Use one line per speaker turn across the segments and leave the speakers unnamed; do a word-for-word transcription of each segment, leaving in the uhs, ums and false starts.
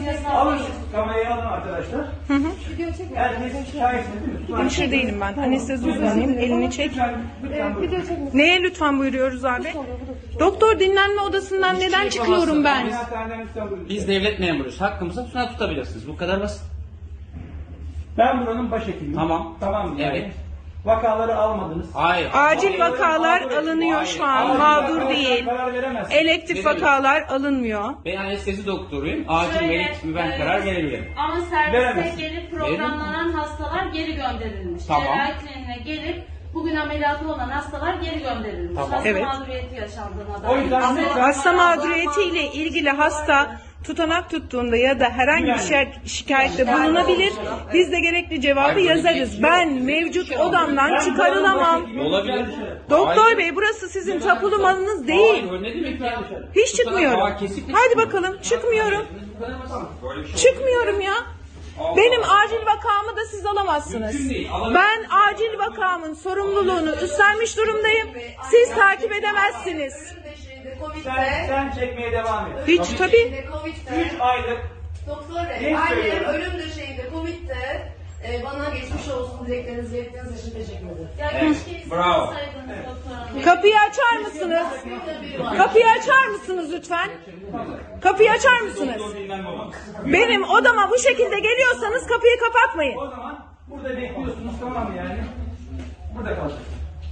Alın siz kamerayı alın arkadaşlar.
Hı hı.
Herkes şahitsiniz değil mi?
Hemşire değilim ben. Anestezi uzmanıyım. Elini çek.
Lütfen, lütfen buyurun.
Neye lütfen buyuruyoruz abi? Doktor dinlenme odasından
Hiçbir
neden
şey
çıkıyorum ben?
Ameliyathaneden lütfen buyurun.
Biz devlet memuruyuz. Hakkımızı tutan tutabilirsiniz. Bu kadar basit.
Ben buranın başhekimiyim.
Tamam.
Tamam mı? Yani
Evet.
Vakaları almadınız.
Hayır.
Acil vakalar alınıyor şu an. Mağdur değil.
Karar veremezsiniz.
Elektif vakalar alınmıyor.
Ben anestezi doktoruyum. Acil
Şöyle,
melek mi ben
e,
karar verebilirim.
Ama servise
Veremezsin.
gelip programlanan hastalar geri gönderilmiş.
Tamam.
Cerrahi kliniğine gelip bugün ameliyatı olan hastalar geri gönderilmiş.
Tamam.
Hasta
Evet.
mağduriyeti yaşandığına
O
dair.
yüzden
Ama-
ne-
Hasta mağduriyetiyle ilgili hasta tutanak tuttuğunda ya da herhangi bir şey şikayette bulunabilir. Biz de gerekli cevabı
Hayır, böyle bir
yazarız.
şey
Ben
yok.
mevcut
Ben
odamdan
Ben
çıkarılamam.
buranın başhekimiyim.
Olabilir.
Doktor
Hayır.
bey, burası sizin tapulu malınız değil.
Hayır, ne demek ya?
Hiç çıkmıyorum.
Aa, kesinlikle
Hadi
çıkmıyorum.
bakalım, çıkmıyorum.
Bu kadar basit. Böyle bir şey
Çıkmıyorum ya.
Allah
Benim
Allah.
acil vakamı da siz alamazsınız.
Mümkün değil, alamazsınız.
Ben acil vakamın sorumluluğunu üstlenmiş durumdayım. Siz takip edemezsiniz.
Sen, sen çekmeye devam et.
Hiç tabii.
üç aylık
Doktor Bey,
Ne
annem
söylüyorum?
ölüm döşeğinde Covid'de e, bana geçmiş olsun dileklerinizi ilettiğiniz için teşekkür ederim.
Ya
Evet,
keşke izin
bravo.
alsaydınız doktor hanım.
Kapıyı açar mısınız? Kapıyı açar mısınız lütfen? Kapıyı açar mısınız?
Doktor dinlenme olmaz.
Benim odama bu şekilde geliyorsanız kapıyı kapatmayın.
o zaman burada bekliyorsunuz, tamam mı yani? Burada kalacak.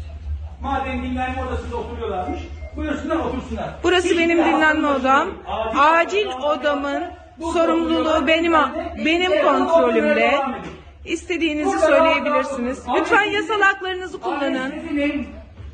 Madem dinlenme odasında oturuyorlarmış, buyursunlar otursunlar.
Burası
Hiç
benim
de
dinlenme
aklınızda
odam.
değil.
Acil odamın sorumluluğu benim benim kontrolümde. İstediğinizi söyleyebilirsiniz. Lütfen yasal haklarınızı kullanın.
Anestezinin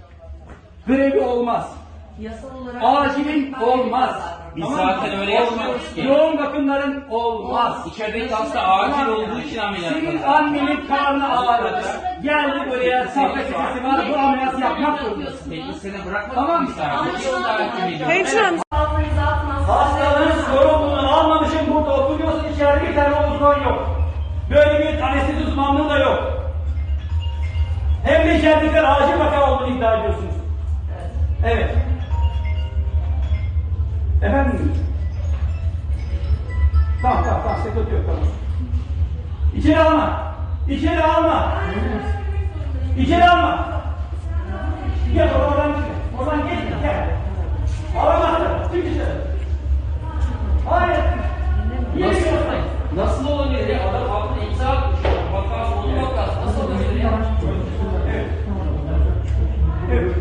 grevi olmaz.
Yasal olarak
Acilin olmaz.
Biz
Tamam mı?
zaten öyle yapmıyoruz ki.
Yoğun bakımların olmaz.
İçerideki hasta acil olduğu için ameliyat
Senin
yapılır.
annenin karnı ağrıdı. Geldi buraya, safra kesesi var, bu ameliyatı yapmak zorundasın.
Peki seni bırakmadık
Tamam.
mı misafir?
Hemşirem,
Hastalığın sorumluluğunu almamışım, burada oturuyorsun, içeride bir tane uzman yok. Böyle bir anestezi uzmanlığı da yok. Hem de içeridekiler acil vaka olduğunu iddia ediyorsunuz. Evet. Efendim? Tamam tamam tamam, sıkıntı yok, tamam. İçeri alma. İçeri alma. İçeri alma. Gel oradan gitme. Oradan geçme, gel. Alamazsın. Çık dışarı. Hayır. Niye
Nasıl?
gidiyorsun?
Nasıl olabilir ya? Adam altına imza atmış. Vakası onun vakası. Nasıl olabilir ya?
Evet. Evet.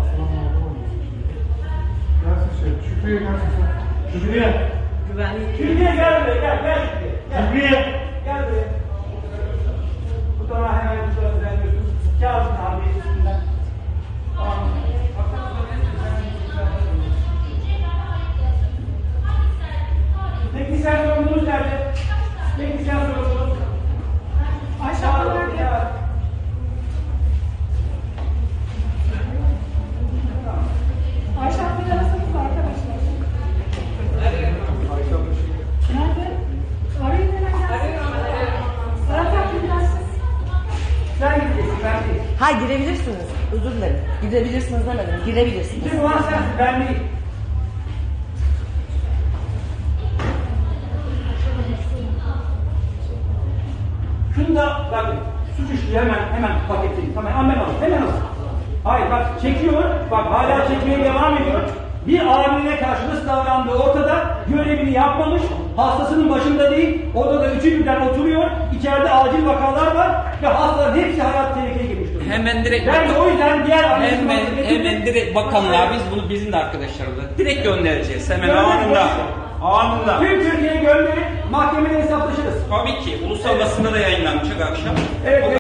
Şükrü'ye gelsin.
Şükrü'ye. Şükrü'ye gel buraya, gel, gel Şükrü'ye. Gel. Şükrü'ye. Gel buraya. Bu tarafa hemen bir tarafa düzenliyorsun. Kağıdın abi üstünden. Tamam mı? Teknisyen sorumluluğunuz nerede? Teknisyen sorumluluğunuz. Aşağıda nerede?
Ayşe arasınız arkadaşlar. Nerede? Arayın hemen gelsin. Serap Akgül gelsin.
Sen gideceksin, ben değil.
Ha girebilirsiniz. Özür dilerim. Girebilirsiniz demedim. Girebilirsiniz.
Kim var sensin, ben değil. Şunu da bakın, suç işliği hemen hemen paketleyin. Tamam, hemen alın, hemen alın. Hayır bak, çekiyor, bak hala çekmeye devam ediyor. Bir amiline karşı nasıl davrandığı ortada, görevini yapmamış, hastasının başında değil, odada üçü birden oturuyor, içeride acil vakalar var ve hastaların hepsi hayat tehlikeye girmiş durumda.
Hemen direkt
Ben de o yüzden diğer
hemen,
anestezi-
hemen direkt bakanlığa biz bunu bizim de arkadaşlarımıza direkt göndereceğiz. Hemen
Gönderin,
anında.
boşver.
Anında.
Tüm Türkiye'ye gönderip mahkemede hesaplaşırız.
Tabii ki ulusal basında da yayınlanacak akşam.
Evet.